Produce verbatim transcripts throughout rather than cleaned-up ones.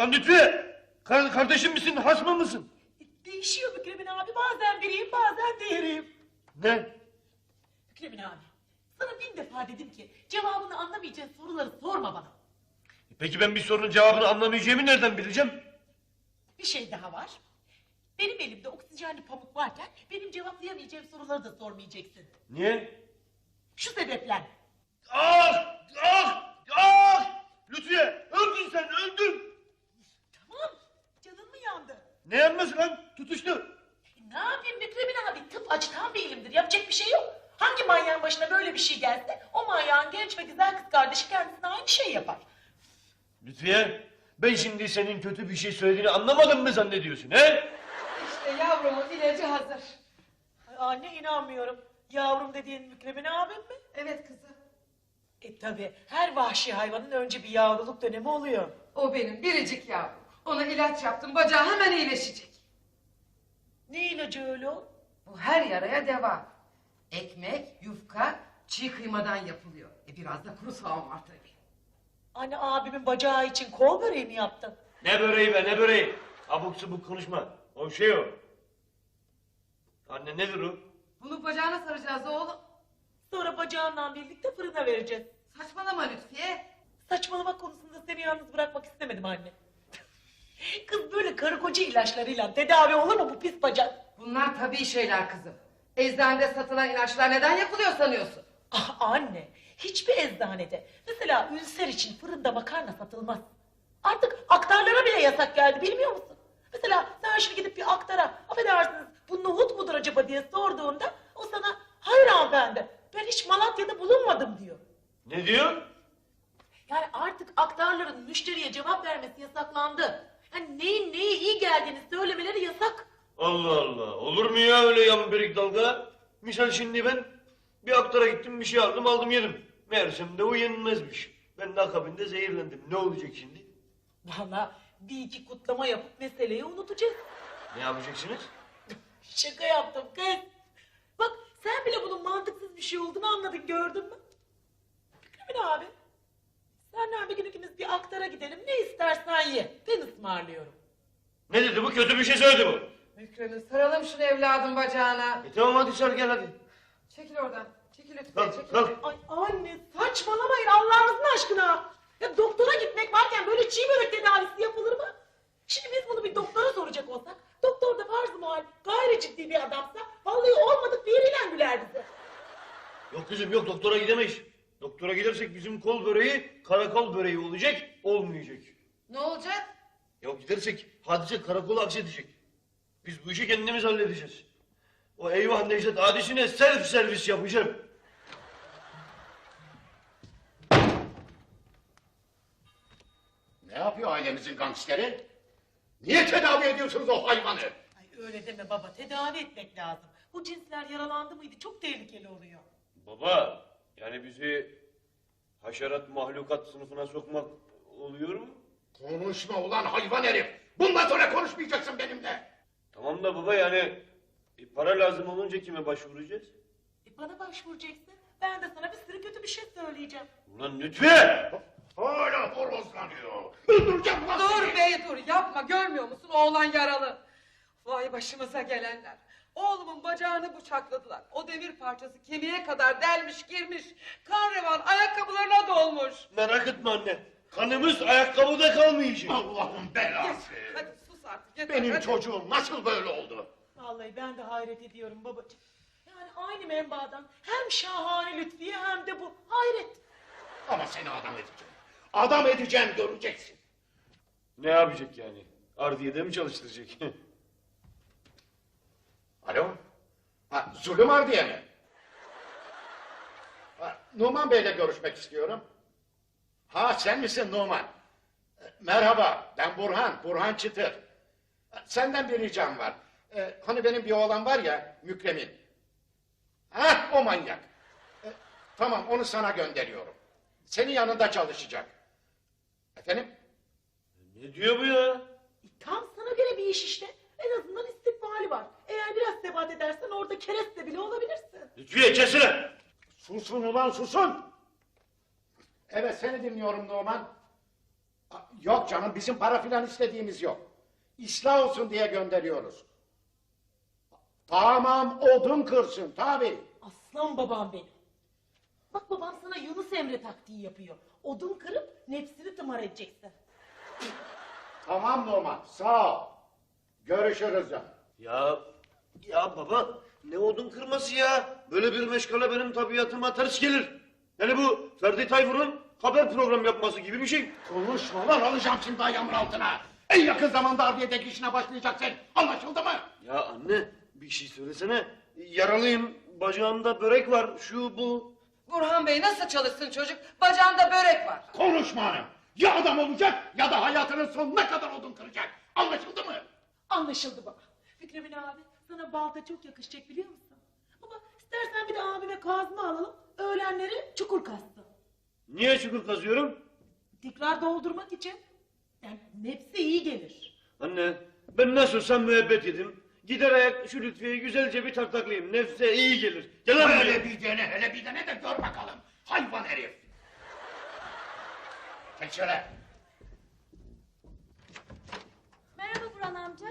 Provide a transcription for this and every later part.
Ulan Lütfi! Kar kardeşim misin, hasmı mısın? Değişiyor Mükremin abi. Bazen biriyim, bazen diğeriyim. Ne? Mükremin abi, sana bin defa dedim ki cevabını anlamayacağın soruları sorma bana. Peki ben bir sorunun cevabını anlamayacağımı nereden bileceğim? Bir şey daha var. Benim elimde oksijenli pamuk varken benim cevaplayamayacağım soruları da sormayacaksın. Niye? Şu sebeple. Ah! Ah! Ah! Lütfiye! Öldün sen, öldün! Tamam, canın mı yandı? Ne yanması lan? Tutuştu. E, ne yapayım Mükremin abi? Tıp açıdan bir ilimdir. Yapacak bir şey yok. Hangi manyağın başına böyle bir şey gelse o manyağın genç ve güzel kız kardeşi kendisine aynı şey yapar. Lütfiye, ben şimdi senin kötü bir şey söylediğini anlamadım mı zannediyorsun he? İşte yavrumun ilacı hazır. Ay, anne inanmıyorum. Yavrum dediğin Mükremin abim mi? Evet kızım. E tabi her vahşi hayvanın önce bir yavruluk dönemi oluyor. O benim biricik yavrum. Ona ilaç yaptım, bacağı hemen iyileşecek. Ne ilacı öyle o? Bu her yaraya deva. Ekmek, yufka, çiğ kıymadan yapılıyor. E biraz da kuru soğan var tabii. Anne abimin bacağı için kol böreği mi yaptın? Ne böreği be, ne böreği? Abuk subuk konuşma. O şey o. Anne nedir o? Bunu bacağına saracağız oğlum. Sonra bacağından birlikte fırına vereceğiz. Saçmalama Lütfiye. Saçmalamak konusunda seni yalnız bırakmak istemedim anne. Kız böyle karı koca ilaçlarıyla tedavi olur mu bu pis bacak? Bunlar tabii şeyler kızım. Eczanede satılan ilaçlar neden yapılıyor sanıyorsun? Ah anne, hiçbir eczanede mesela ülser için fırında makarna satılmaz. Artık aktarlara bile yasak geldi bilmiyor musun? Mesela sen şimdi gidip bir aktara, affedersiniz bu nohut mudur acaba diye sorduğunda o sana hayır hanımefendi ben hiç Malatya'da bulunmadım diyor. Ne diyor? Yani artık aktarların müşteriye cevap vermesi yasaklandı. Yani neyin neye iyi geldiğini söylemeleri yasak. Allah Allah, olur mu ya öyle yamberik dalga? Misal şimdi ben bir aktara gittim, bir şey aldım, aldım yedim. Meğersem de o yenmezmiş. Ben de akabinde zehirlendim. Ne olacak şimdi? Vallahi bir iki kutlama yapıp meseleyi unutacağız. Ne yapacaksınız? Şaka yaptım kız. Bak sen bile bunun mantıksız bir şey olduğunu anladın gördün mü? Mükremin abi. Senden bir gün ikimiz bir aktara gidelim ne istersen ye. Ben ısmarlıyorum. Ne dedi bu? Kötü bir şey söyledi bu. Mükremin saralım şunu evladım bacağına. E tamam hadi sar gel hadi. Çekil oradan. Çekil Lütfiye, Kalk, çekil. kalk. Ay anne saçmalamayın Allah'ınızın aşkına. Ya doktora gitmek varken böyle çiğ börek tedavisi yapılır mı? Şimdi biz bunu bir doktora soracak olsak, doktor da farz-ı muhal gayri ciddi bir adamsa vallahi olmadık bir yeriyle güler bize. Yok kızım yok, doktora gidemeyiz. Doktora gidersek bizim kol böreği karakol böreği olacak, olmayacak. Ne olacak? Yok gidersek hadise karakola aksedecek. Biz bu işi kendimiz halledeceğiz. O eyvah Necdet hadisine self servis yapacağım. Ne yapıyor ailemizin gangsteri? Niye tedavi ediyorsunuz o hayvanı? Ay öyle deme baba tedavi etmek lazım. Bu cinsler yaralandı mıydı çok tehlikeli oluyor. Baba, yani bizi haşerat mahlukat sınıfına sokmak oluyor mu? Konuşma ulan hayvan herif! Bundan sonra konuşmayacaksın benimle! Tamam da baba yani e, para lazım olunca kime başvuracağız? E bana başvuracaksın ben de sana bir sürü kötü bir şey söyleyeceğim. Ulan Lütfi! Hala horozlanıyor! Öldüreceğim lan Dur seni! bey dur yapma görmüyor musun oğlan yaralı. Vay başımıza gelenler. Oğlumun bacağını bıçakladılar. O demir parçası kemiğe kadar delmiş girmiş. Kan revan ayakkabılarına dolmuş. Merak etme anne. Kanımız ayakkabıda kalmayacak. Allah'ın belası! Hadi sus artık yeter. Benim hadi. çocuğum nasıl böyle oldu? Vallahi ben de hayret ediyorum babacığım. Yani aynı menbaadan hem şahane Lütfiye hem de bu hayret. Ama seni adam edeceğim. Adam edeceğim göreceksin. Ne yapacak yani? Ardiye'de mi çalıştıracak? Alo? Ha, Zulüm Ardiye mi? Ha, Numan Bey'le görüşmek istiyorum. Ha sen misin Numan? E, Merhaba ben Burhan, Burhan Çıtır. E, Senden bir ricam var. E, hani benim bir oğlan var ya Mükremin. Ha o manyak. E, tamam onu sana gönderiyorum. Senin yanında çalışacak. Efendim? Ne diyor bu ya? E, tam sana göre bir iş işte. En azından istikbali var. Eğer biraz sebat edersen orada kereste bile olabilirsin. Lütfiye kesene! Susun ulan susun! Evet seni dinliyorum Numan. Yok canım, bizim para filan istediğimiz yok. İslah olsun diye gönderiyoruz. Tamam, odun kırsın tabii. Aslan babam benim. Bak babam sana Yunus Emre taktiği yapıyor. Odun kırıp nefsini tımar edeceksin. Tamam Numan, sağ ol. Görüşürüz canım. Ya ya baba ne odun kırması ya? Böyle bir meşgale benim tabiatıma ters gelir. Yani bu Ferdi Tayfur'un haber program yapması gibi bir şey. Konuşma lan, alacağım şimdi ayağımın altına. En yakın zamanda ardiyedeki işine başlayacaksın. Anlaşıldı mı? Ya anne bir şey söylesene. Yaralıyım, bacağımda börek var, şu bu. Burhan Bey nasıl çalışsın çocuk? Bacağında börek var. Konuşma hanım. Ya adam olacak ya da hayatının sonuna kadar odun kıracak. Anlaşıldı mı? Anlaşıldı baba. Mükremin abi sana balta çok yakışacak biliyor musun? Baba istersen bir de abime kazma alalım. Öğlenleri çukur kazsın. Niye çukur kazıyorum? Tekrar doldurmak için. Yani nefsi iyi gelir. Anne ben nasılsa müebbet yedim. Gider ayak şu Lütfiye'yi güzelce bir taktaklayayım. Nefse iyi gelir. Gel lan buraya. Hele bir dene, hele bir dene de gör bakalım. Hayvan herif. Çek şöyle. Merhaba Burhan amca.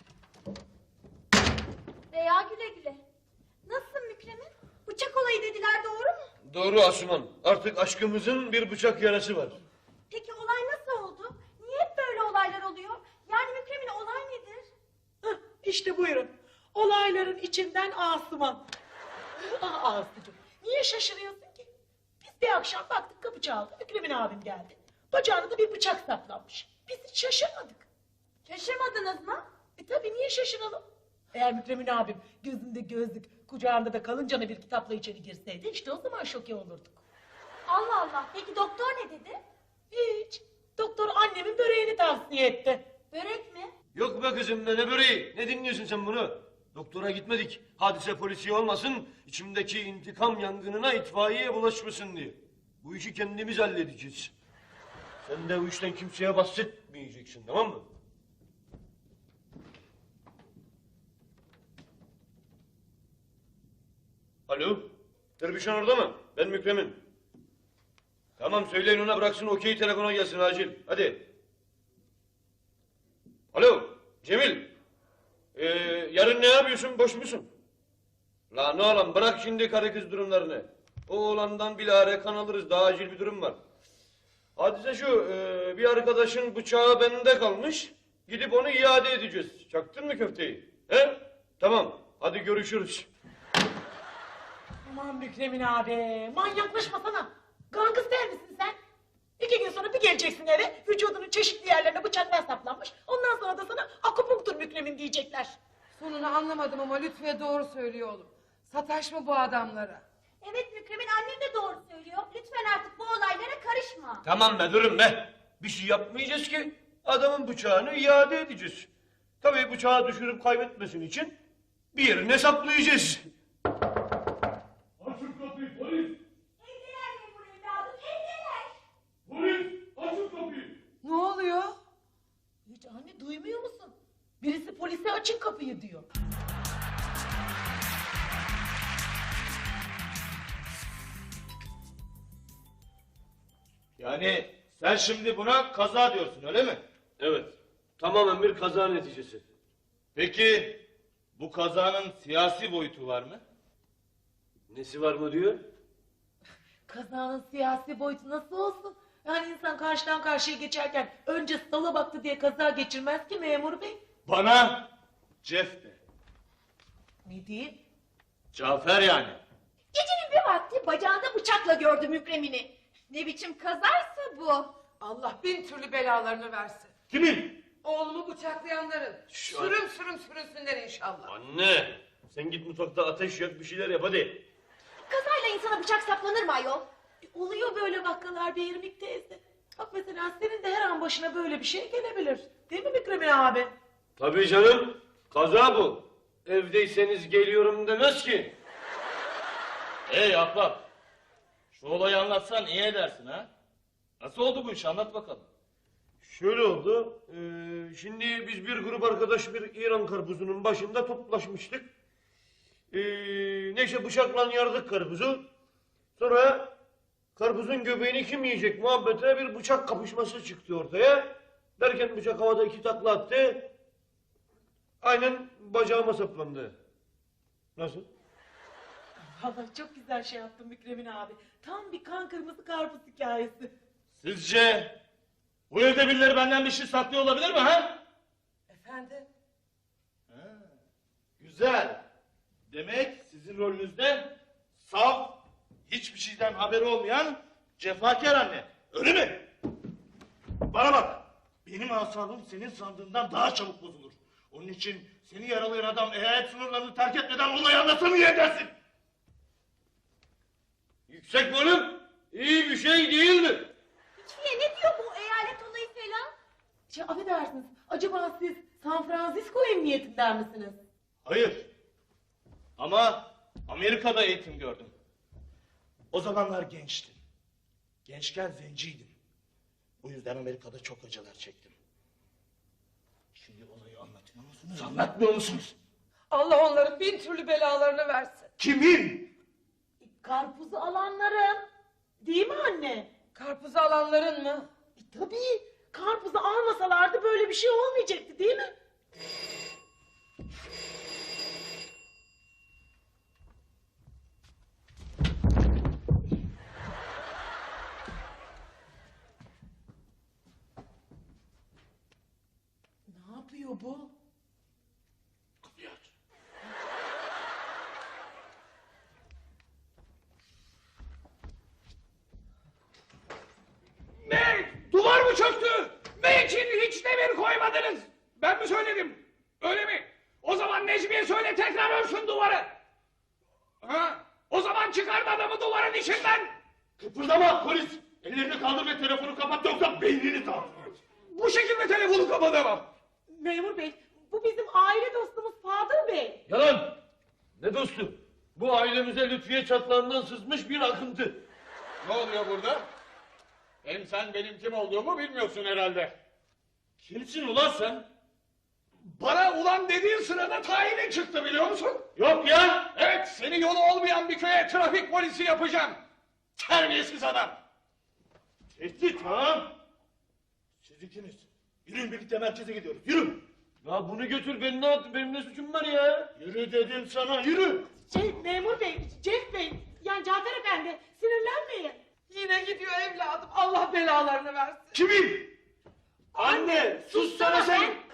Veya güle güle. Nasılsın Mükremin? Bıçak olayı dediler, doğru mu? Doğru Asuman. Artık aşkımızın bir bıçak yarası var. Peki olay nasıl oldu? Niye hep böyle olaylar oluyor? Yani Mükremin olay nedir? Hah, işte buyurun. Olayların içinden Asuman. Ah Aslıcığım, niye şaşırıyorsun ki? Biz bir akşam baktık kapı çaldı. Mükremin abim geldi. Bacağına da bir bıçak saplanmış. Biz hiç şaşırmadık. Şaşırmadınız mı? E tabii niye şaşıralım? Eğer Mükremin abim gözünde gözlük, kucağında da kalıncana bir kitapla içeri girseydi işte o zaman şoke olurduk. Allah Allah. Peki doktor ne dedi? Hiç. Doktor annemin böreğini tavsiye etti. Börek mi? Yok be kızım ne, ne böreği? Ne dinliyorsun sen bunu? Doktora gitmedik. Hadise polisi olmasın, içimdeki intikam yangınına itfaiyeye bulaşmasın diye. Bu işi kendimiz halledeceğiz. Sen de bu işten kimseye bahsetmeyeceksin, tamam mı? Alo, Derbişan orada mı? Ben Mükremin. Tamam söyleyin ona bıraksın okey telefona gelsin acil. Hadi. Alo, Cemil. Ee, yarın ne yapıyorsun? Boş musun? Lan oğlum bırak şimdi karı kız durumlarını. O oğlandan bilahare kan alırız. Daha acil bir durum var. Hadise şu, e, bir arkadaşın bıçağı bende kalmış. Gidip onu iade edeceğiz. Çaktın mı köfteyi? He? Tamam. Hadi görüşürüz. Aman Mükremin abi, manyaklaşmasana. Gangster misin sen? İki gün sonra bir geleceksin eve, vücudunun çeşitli yerlerine bıçaklar saplanmış. Ondan sonra da sana akupunktur Mükremin diyecekler. Sonunu anlamadım ama Lütfiye doğru söylüyor oğlum. Sataşma bu adamlara. Evet Mükremin, annem de doğru söylüyor. Lütfen artık bu olaylara karışma. Tamam be durun be. Bir şey yapmayacağız ki. Adamın bıçağını iade edeceğiz. Tabii bıçağı düşürüp kaybetmesin için bir yerine saplayacağız. Açın kapıyı polis! Evdeler memur evladım, evdeler. Polis! Açın kapıyı! Ne oluyor? Hiç anne duymuyor musun? Birisi polise açın kapıyı diyor. Yani sen şimdi buna kaza diyorsun öyle mi? Evet. Tamamen bir kaza neticesi. Peki bu kazanın siyasi boyutu var mı? Nesi var mı diyor? Kazanın siyasi boyutu nasıl olsun? Yani insan karşıdan karşıya geçerken önce sola baktı diye kaza geçirmez ki memur bey. Bana Cef de. Ne diyeyim? Cafer yani. Gecenin bir vakti bacağında bıçakla gördüm Mükremin'i. Ne biçim kazaysa bu. Allah bin türlü belalarını versin. Kimin? Oğlumu bıçaklayanların. Şu Sürüm sürüm sürünsünler inşallah. Anne! Sen git mutfakta ateş yak bir şeyler yap hadi. Kazayla insana bıçak saplanır mı ayol? E, oluyor böyle vakalar bir İrmik teyze. Bak mesela senin de her an başına böyle bir şey gelebilir. Değil mi Mükremin abi? Tabii canım. Kaza bu. Evdeyseniz geliyorum demez ki. Ey ahbap. Şu olayı anlatsan iyi edersin ha. Nasıl oldu bu iş anlat bakalım. Şöyle oldu. Ee, şimdi biz bir grup arkadaş bir İran karpuzunun başında toplaşmıştık. Ee, neyse bıçakla yardık karpuzu. Sonra karpuzun göbeğini kim yiyecek muhabbetine bir bıçak kapışması çıktı ortaya. Derken bıçak havada iki takla attı. Aynen bacağıma saplandı. Nasıl? Vallahi çok güzel şey yaptın Mükremin abi. Tam bir kan kırmızı karpuz hikayesi. Sizce bu evde birileri benden bir şey saklıyor olabilir mi ha? Efendim? Güzel. Demek sizin rolünüzde saf, hiçbir şeyden haberi olmayan cefakar anne. Öyle mi? Bana bak. Benim asabım senin sandığından daha çabuk bozulur. Onun için seni yaralayan adam eyalet sınırlarını terk etmeden olayı anlatsam iyi edersin. Yüksek bölüm iyi bir şey değildir. Lütfiye ne diyor bu eyalet olayı falan? Şey, affedersiniz, acaba siz San Francisco emniyetinden misiniz? Hayır. Ama Amerika'da eğitim gördüm. O zamanlar gençtim. Gençken zenciydim. Bu yüzden Amerika'da çok acılar çektim. Şimdi olayı anlatmıyor musunuz? Anlatmıyor musunuz? Allah onların bin türlü belalarını versin. Kimin? Karpuzu alanların. Değil mi anne? Karpuzu alanların mı? E, tabii. Karpuzu almasalardı böyle bir şey olmayacaktı değil mi? Ne yapıyor bu? Kapıyı aç. Ne? Duvar mı çöktü? Ne için hiç demir koymadınız? Ben mi söyledim? Öyle mi? O zaman Necmiye söyle tekrar örsün duvarı. Ha? O zaman çıkardı adamı duvarın içinden. Kıpırdama polis! Ellerini kaldır ve telefonu kapat yoksa beynini dağıtırım. Bu şekilde telefonu kapatamam. Memur bey, bu bizim aile dostumuz Fadır Bey. Yalan. Ne dostu? Bu ailemize Lütfiye çatlağından sızmış bir akıntı. Ne oluyor burada? Hem sen benim kim olduğumu bilmiyorsun herhalde. Kimsin ulan sen? Bana ulan dediğin sırada tayinin çıktı biliyor musun? Yok ya! Evet, seni yolu olmayan bir köye trafik polisi yapacağım. Terbiyesiz adam. Tehdit ha? Siz ikiniz. Yürüyün birlikte merkeze gidiyoruz. Yürü! Ya bunu götür ben ne yaptım? Benim ne suçum var ya? Yürü dedim sana yürü! Şey, memur bey, Cef bey, yani Cafer efendi, sinirlenmeyin. Yine gidiyor evladım. Allah belalarını versin. Kimin? Anne sus sana sen!